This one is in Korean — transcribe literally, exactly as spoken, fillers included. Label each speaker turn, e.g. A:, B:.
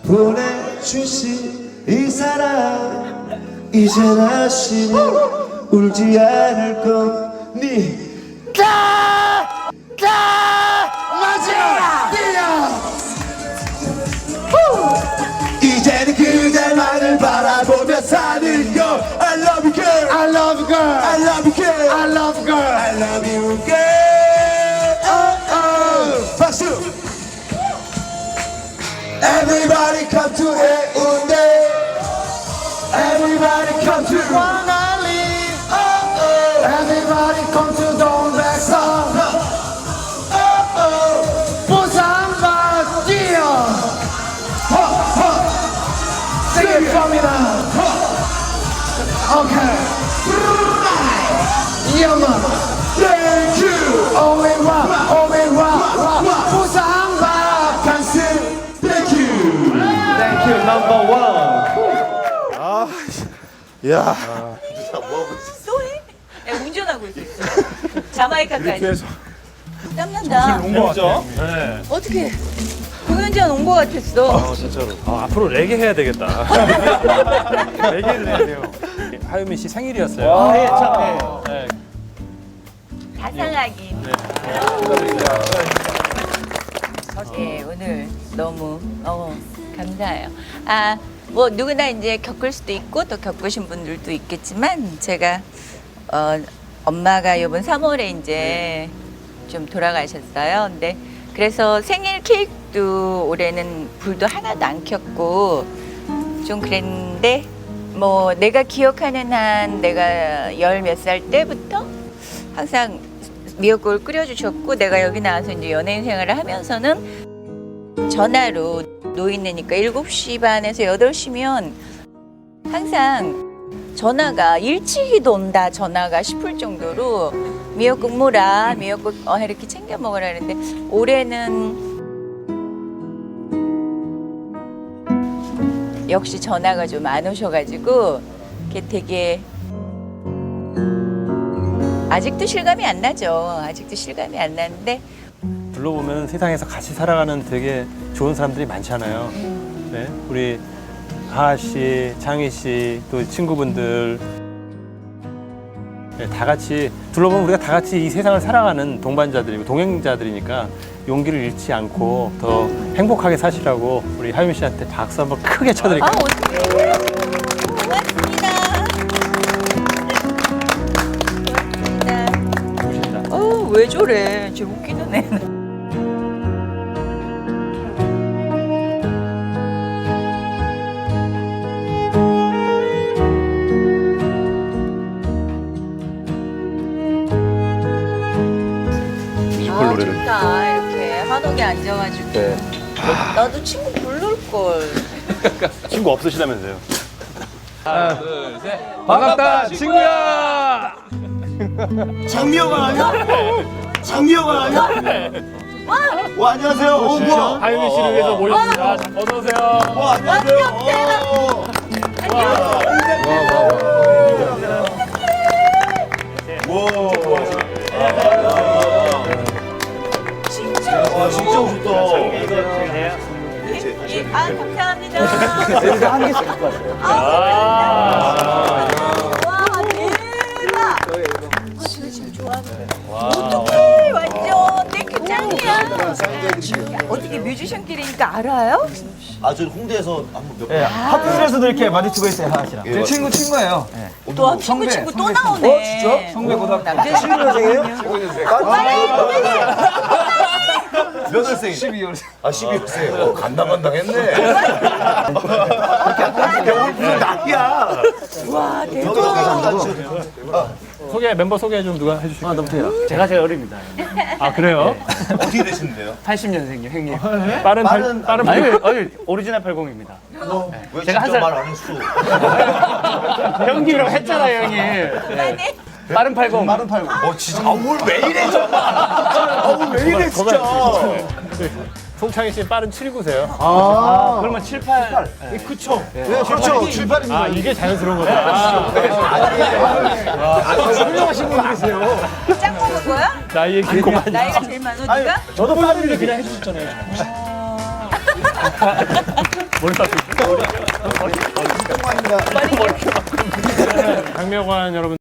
A: 보내주신 이 사람 이제 다시는 울지 않을 겁니다. 마지막 이제는 그대만을 바라보며 사는 걸 I love you girl I love you girl I love you girl I love you girl I love you girl oh, oh. 박수 Everybody come to 해운대 Everybody come to 광안리 oh, oh. Everybody come to 동백섬 oh, oh. 부산만 뛰어 Sing it for me now. Okay. Yeah, man. Thank you. Only one, only one, one. 부산 바캉스. Thank you.
B: Thank you, number one.
A: 아, 야.
C: 또 해? 야, 운전하고 있어. 자마이카까지. 땀난다.
B: 재밌죠? 네.
C: 어떻게 공연장 온 거 같았어.
B: 아, 진짜로. 아, 앞으로 레게 해야 되겠다. 레게를 해야 돼요. 하유민 씨 생일이었어요.
C: 아,
B: 예, 참. 네.
C: 자상하긴. 네, 오늘 너무 어, 감사해요. 아, 뭐 누구나 이제 겪을 수도 있고 또 겪으신 분들도 있겠지만 제가 어, 엄마가 이번 삼월에 이제 좀 돌아가셨어요. 근데 그래서 생일 케이크도 올해는 불도 하나도 안 켰고 좀 그랬는데 뭐 내가 기억하는 한 내가 열 몇 살 때부터 항상 미역국을 끓여주셨고 내가 여기 나와서 이제 연예인 생활을 하면서는 전화로 노인네니까 일곱 시 반에서 여덟 시면 항상 전화가 일찍이도 온다 전화가 싶을 정도로 미역국 뭐라 미역국 어, 이렇게 챙겨 먹으라 그랬는데 올해는 역시 전화가 좀 안 오셔가지고 이게 되게 아직도 실감이 안 나죠. 아직도 실감이 안 나는데
B: 둘러보면 세상에서 같이 살아가는 되게 좋은 사람들이 많잖아요. 네, 우리 하하 씨, 창희 씨, 또 친구분들 네, 다 같이 둘러보면 우리가 다 같이 이 세상을 살아가는 동반자들이고 동행자들이니까 용기를 잃지 않고 더 행복하게 사시라고 우리 하유민 씨한테 박수 한번 크게 쳐드릴게요.
C: 아 어떡해. 고맙습니다. 고맙습니다.
B: 좋으신다.
C: 어, 왜 저래? 저 웃기는 애는. 아, 좋다. 이렇게 한옥에 앉아가지고.
B: 네.
C: 나도 친구 부를 걸.
B: 친구 없으시다면서요? 하나, 둘, 셋. 반갑다, 친구야!
A: 장미호가 아니야? 장미호가 아니야? 와 안녕하세요. 어 뭐야?
B: 하유민 씨를 위해서 모였습니다. 어서 오세요.
A: 와 안녕하세요. 어. 와 진짜 좋다.
C: 예, 아, 감사합니다.
A: 여기서 한 개씩 갖고 왔어요.
C: 아, 와, 대박. 아, 제가 지금 좋아하는데. 어떡해, 완전 땡큐 짱이야. 어떻게 뮤지션끼리니까 알아요?
A: 아 저 홍대에서 한번 몇 번.
D: 예, 하프실에서도 이렇게 마주치고 있어요, 하하씨랑.
A: 예,
D: 제 친구 친구예요. 예.
C: 또 친구
D: 성배,
C: 친구 또
D: 성배
C: 나오네.
A: 어, 진짜?
D: 성배 고등학교.
C: 남자 친구
A: 년생이에요? 몇 월생?
D: 십이월.
A: 아 십이월 생. 어 간당간당했네. 오늘 무슨 낙이야?
C: 와, 대박.
B: 소개, 멤버 소개 좀 누가 해주실까요? 아, 너무
E: 제가 제일 어립니다.
B: 아, 그래요?
A: 어떻게 되시는데요?
E: 팔십 년생이요, 형님.
B: 빠른,
A: 빠른-
B: 발, 빠른,
E: 아니,
B: 팔-
E: 어이, 오리지널 팔십입니다.
A: 왜
E: 제가 한
A: 진짜
E: 살-
A: 말 안 했어?
E: 형님이라고 했잖아요, 형님.
C: 아니,
E: 빠른 팔십.
A: 빠른 팔고. 어 진짜. 아뭘왜 이래 정말. 아왜 이래 진짜.
B: 송창희 씨 빠른 칠십구세요.
E: 아, 그러면 칠, 팔.
A: 그쵸. 네, 그렇죠. 출발입니다.
B: 아, 이게 자연스러운 거다. 아,
A: 훌륭하신 분들이세요.
C: 짱 먹은 거야?
B: 나이에 길고만.
C: 나이가 제일 많아, 네가?
D: 저도 빠르게 그냥 해주셨잖아요.
B: 박명관 여러분.